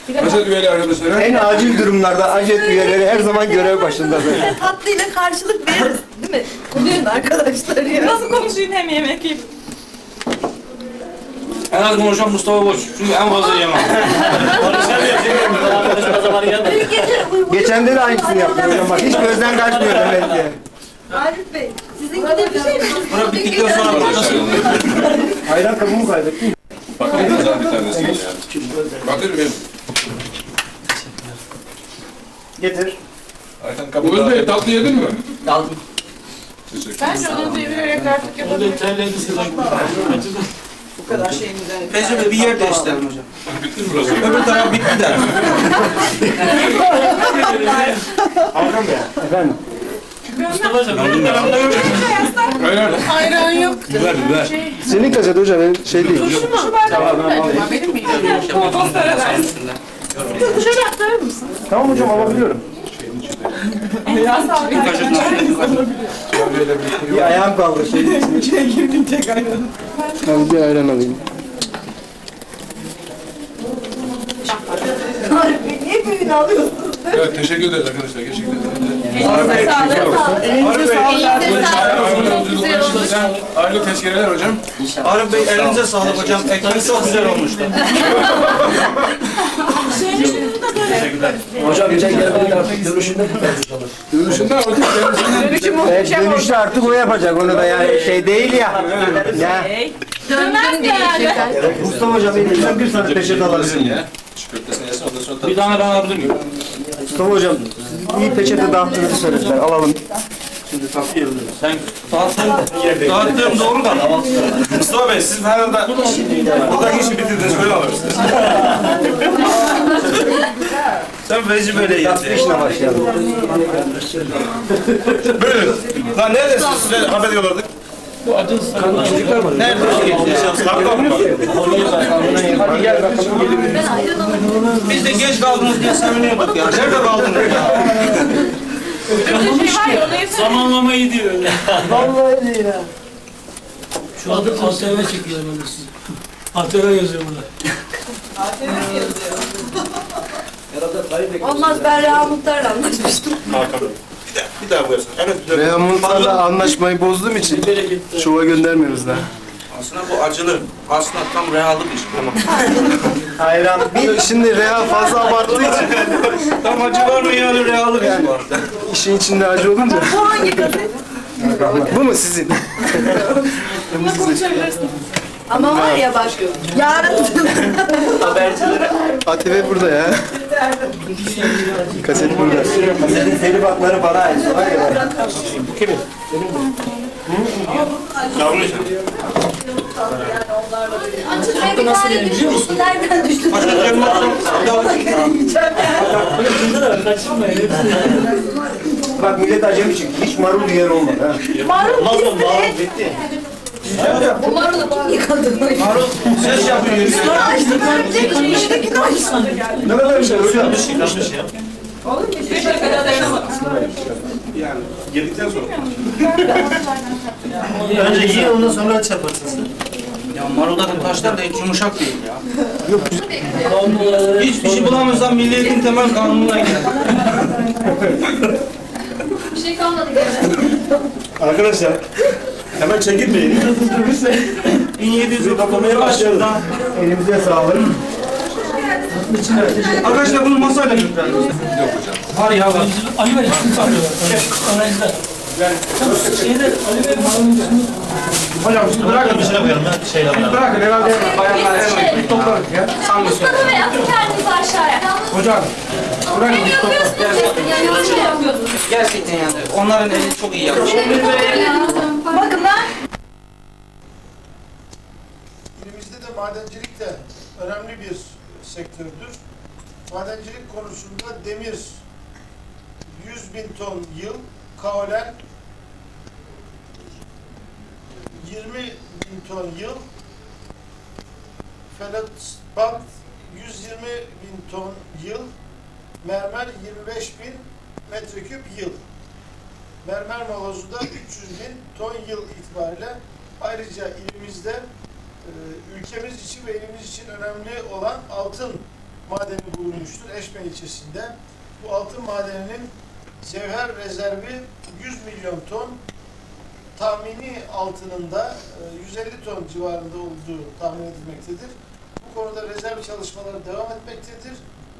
Ajet üyeli arkadaşlara. En acil durumlarda ajet üyeleri her zaman görev başındadır. Tatlıyla karşılık veririz değil mi? Bugün arkadaşlar ya. Nasıl konuşayım hem yemek yiyip. En az konuşan Mustafa Boş. Çünkü en fazla yemem. Geçen de aynısını yaptı hocam bak hiç gözden kaçmıyor demek ki. Arif Bey, sizinki de bir şey mi? Buna bittikten sonra bakacağız. Ayran kabımı kaybettim. Bakın güzel bir tanesi ya. Bakır benim. Getir. Ayten kabı daha. Bey tatlı yedin mi? Aldım. Teşekkür Ben şunu devirerek artık yapabilirim. Bu kadar şeyimden. Teyze bir yer değiştirelim hocam. Bitti mi burası? Öbür taraf bitti de. Hakan Bey. Efendim. Aynen. Ayran yok. Biber biber. Senin kaset hocam benim şey değil. Şu bardağı benim mi? Kompostlara versin. Dışarı aktarır mısın? Tamam hocam alabiliyorum. Ya sağ olun. Bir ayağım kaldı şeyin içine. Ben bir ayran alayım. Arif Bey, niye büyüğünü alıyorsunuz? Evet teşekkür ederiz arkadaşlar. Gerçekten. Elinize sağlık. Elinize sağlık. Aile tezkereler hocam. Arif Bey elinize sağlık hocam. Ekmek çok güzel olmuştu. Hocam geçen gelmedi artık dönüşünde Dönüşünde hocam kendisinden. Dönüşüm Evet, muhteşem oldu. dönüşte artık o yapacak onu da yani şey değil ya. Ya. Dönmez herhalde. Mustafa hocam elimizden bir tane peçete alabilirim. Ya. Çikolatesini yesin ondan sonra Bir tane ben alabilir miyim? Mustafa hocam siz iyi peçete dağıttığınızı söylediler alalım. Sen dağıttığım doğru da. Mustafa Bey, siz herhalde buradaki işi bitirdiniz, böyle alırsınız. Sen veci böyle Tatlı yedi. işine başlayalım. Böyle. Lan neredesiniz? Size haber yolladık. Nerede? Kapıda mı? Hadi gel bakalım. Biz de geç kaldınız diye seviniyorduk ya. Nerede kaldınız ya? Bir şey var ya onu yeter. zamanlamayı diyor. Vallahi değil ha. Şu adı ATV çekiyor ben sizi. ATV yazıyor burada. Olmaz, ben Reha Muhtar'la anlaşmıştım. Bir daha buyursun. Evet. Reha Muhtar'la anlaşmayı bozduğum için şova göndermiyoruz daha. Aslında bu acılı. Aslında tam reallik iş. Tamam. Hayran. Şimdi Reha fazla abarttığı için Tam acı var mı yani reallik iş var. işin içinde acı olunca. Bu hangi gazete? Bu mu sizin? Bununla konuşabilirsin. Ama var ya bak, yarın ATV burada ya. Kaset burada. Kasetin telif hakları bana ait. açıkçası bir tane düşmüştü. Nereden düştü? Bak millet acemi çıktı. Hiç marul yiyen olmadı ha. Marul bitti. Bu marulu kim yıkadı? Marul ses yapıyor. Sonra açtım, öyle içindekini açtım. Ne kadar güzel hocam. Oğlum bir dakikada dayanamadım. Yani yedikten sonra. Önce yiyin ondan sonra çaparsın sen. Ya maruldaki taşlar da hiç yumuşak değil ya. Hiçbir şey bulamıyorsan Milli Eğitim Temel Kanunu'na gel. Bir şey kalmadı gene. Arkadaşlar, hemen çekilmeyin. 1700'ü kapamaya başladı. Elimize sağlık. Arkadaşlar bunu masayla götürelim. Var ya var. Ali Bey sizi çağırıyorlar. Analizler. Şeyde Ali Bey malum Hocam siz bırakın bir şey koyalım. Bırakın herhalde bayanlar hemen toplarız ya. Mustafa Bey, atın kendinizi aşağıya. Hocam. Ne yapıyorsunuz? Yani yanlış yapıyorsunuz. Gerçekten yani onların eli çok iyi yapmış. Bakın lan. İlimizde de madencilik de önemli bir sektördür. Madencilik konusunda demir 100.000 ton yıl, kaolen 20.000 ton yıl, feldspat 120.000 ton yıl, mermer 25.000 metreküp yıl. Mermer molozu da 300.000 ton yıl itibariyle. Ayrıca ilimizde ülkemiz için ve ilimiz için önemli olan altın madeni bulunmuştur Eşme ilçesinde. Bu altın madeninin cevher rezervi 100 milyon ton, tahmini altınında 150 ton civarında olduğu tahmin edilmektedir. Bu konuda rezerv çalışmaları devam etmektedir.